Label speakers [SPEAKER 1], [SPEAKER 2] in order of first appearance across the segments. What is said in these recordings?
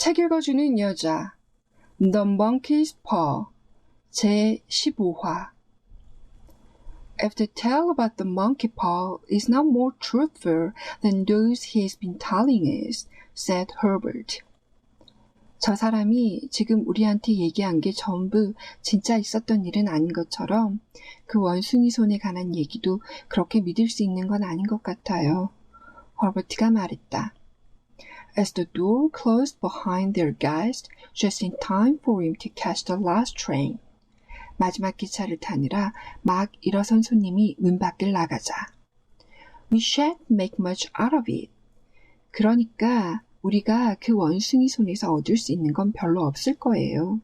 [SPEAKER 1] 책 읽어주는 여자 The Monkey's Paw 제15화 If the tale about the monkey paw is not more truthful than those he has been telling us, said Herbert. 저 사람이 지금 우리한테 얘기한 게 전부 진짜 있었던 일은 아닌 것처럼 그 원숭이 손에 관한 얘기도 그렇게 믿을 수 있는 건 아닌 것 같아요. 허버트가 말했다. As the door closed behind their guest, just in time for him to catch the last train. 마지막 기차를 타느라 막 일어선 손님이 문 밖을 나가자. We shan't make much out of it. 그러니까 우리가 그 원숭이 손에서 얻을 수 있는 건 별로 없을 거예요.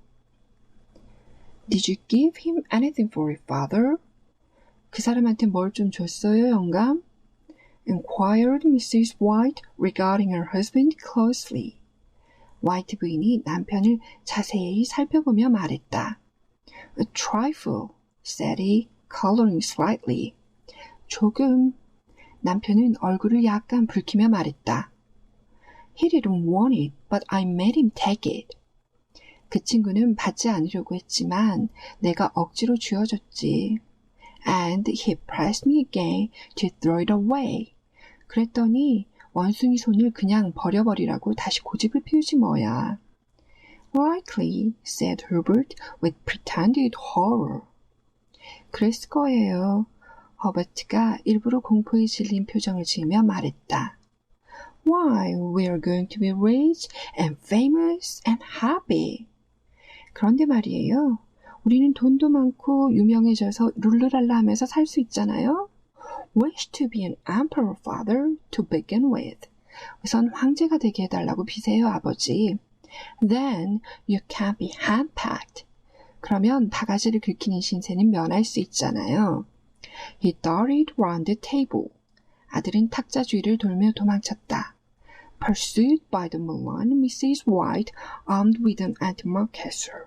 [SPEAKER 1] Did you give him anything for it, father? 그 사람한테 뭘 좀 줬어요, 영감? Inquired Mrs. White regarding her husband closely. 화이트 부인이 남편을 자세히 살펴보며 말했다. A trifle, said he, coloring slightly. 조금. 남편은 얼굴을 약간 붉히며 말했다. He didn't want it, but I made him take it. 그 친구는 받지 않으려고 했지만 내가 억지로 쥐어줬지. And he pressed me again to throw it away. 그랬더니 원숭이 손을 그냥 버려버리라고 다시 고집을 피우지 뭐야. Likely, said Herbert with pretended horror. 그랬을 거예요. 허버트가 일부러 공포에 질린 표정을 지으며 말했다. Why, we're going to be rich and famous and happy. 그런데 말이에요. 우리는 돈도 많고 유명해져서 룰루랄라 하면서 살 수 있잖아요. Wish to be an emperor, father, to begin with. 우선 황제가 되게 해달라고 비세요, 아버지. Then you can't be handpacked. 그러면 바가지를 긁히는 신세는 면할 수 있잖아요. He darted round the table. 아들은 탁자 주위를 돌며 도망쳤다. Pursued by the malign Mrs. White, armed with an antimacassar.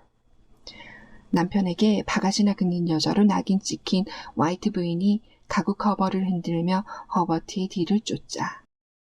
[SPEAKER 1] 남편에게 바가지나 긁는 여자로 낙인 찍힌 화이트 부인이 가구 커버를 흔들며 허버트의 뒤를 쫓자.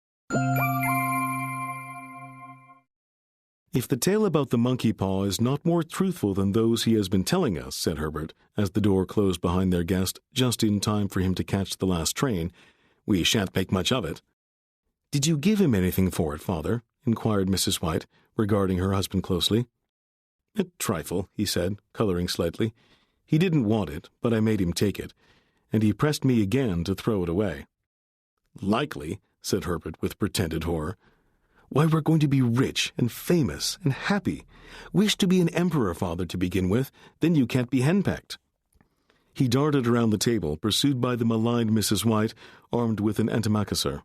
[SPEAKER 2] If the tale about the monkey paw is not more truthful than those he has been telling us, said Herbert, as the door closed behind their guest just in time for him to catch the last train, we shan't make much of it. Did you give him anything for it, father? Inquired Mrs. White, regarding her husband closely. A trifle, he said, coloring slightly. He didn't want it, but I made him take it, and he pressed me again to throw it away. Likely, said Herbert with pretended horror. Why, we're going to be rich and famous and happy. Wish to be an emperor, father, to begin with, then you can't be henpecked. He darted around the table, pursued by the maligned Mrs. White, armed with an antimacassar.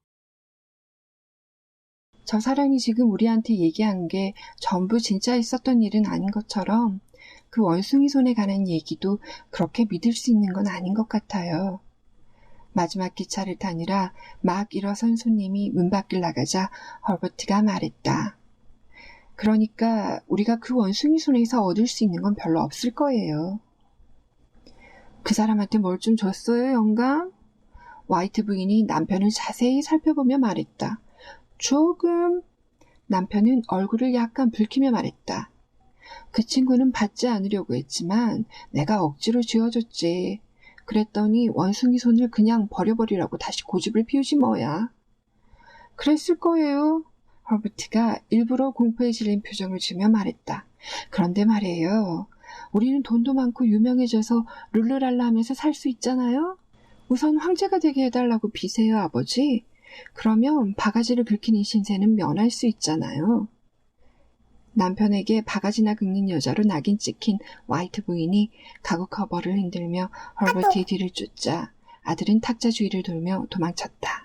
[SPEAKER 1] 저 사람이 지금 우리한테 얘기한 게 전부 진짜 있었던 일은 아닌 것처럼 그 원숭이 손에 관한 얘기도 그렇게 믿을 수 있는 건 아닌 것 같아요. 마지막 기차를 타느라 막 일어선 손님이 문 밖을 나가자 허버트가 말했다. 그러니까 우리가 그 원숭이 손에서 얻을 수 있는 건 별로 없을 거예요. 그 사람한테 뭘 좀 줬어요, 영감? 화이트 부인이 남편을 자세히 살펴보며 말했다. 조금. 남편은 얼굴을 약간 붉히며 말했다. 그 친구는 받지 않으려고 했지만 내가 억지로 쥐어줬지. 그랬더니 원숭이 손을 그냥 버려버리라고 다시 고집을 피우지 뭐야. 그랬을 거예요. 허버트가 일부러 공포에 질린 표정을 지으며 말했다. 그런데 말이에요. 우리는 돈도 많고 유명해져서 룰루랄라 하면서 살 수 있잖아요. 우선 황제가 되게 해달라고 비세요, 아버지. 그러면 바가지를 긁히는 신세는 면할 수 있잖아요. 남편에게 바가지나 긁는 여자로 낙인 찍힌 화이트 부인이 가구 커버를 흔들며 허버트의 뒤를 쫓자 아들은 탁자 주위를 돌며 도망쳤다.